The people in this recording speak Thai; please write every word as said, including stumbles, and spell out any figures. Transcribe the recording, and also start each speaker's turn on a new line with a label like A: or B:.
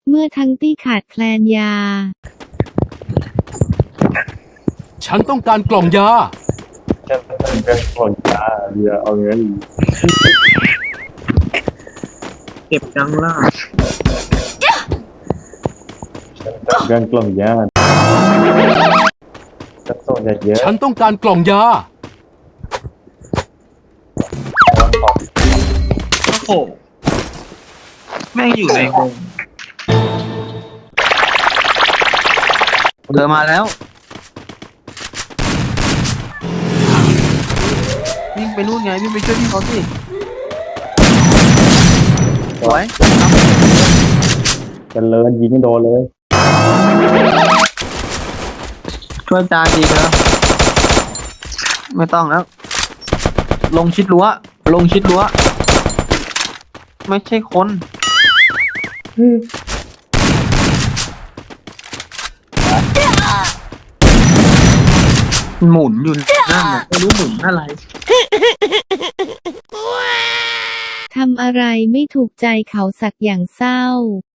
A: เมื่อทั้งตี้ขาดแคลนยา
B: ฉันต้องการกล่องยา
C: ฉันต้องการกล่องยาเดี๋ยวเอาเงิน
D: เก็บจังล่ะ
C: ฉันต้องการกล่องยาจะส่งเยอะ
B: ฉันต้องการกล่องยา
D: โอ้โหแม่งอยู่ในวงเธอมาแล้ววิ่งไปนู่นไงวิ่งไปช่วยพี่เขาสิสวย
C: จะเลินยิงไม่โดนเลย
D: ช่วยจานดีนะไม่ต้องแล้วลงชิดรั้วลงชิดรั้วไม่ใช่คนหมุนอยู่นั่นน่ะไม่รู้หมุนอะไร
A: ทำอะไรไม่ถูกใจเขาสักอย่างเศร้า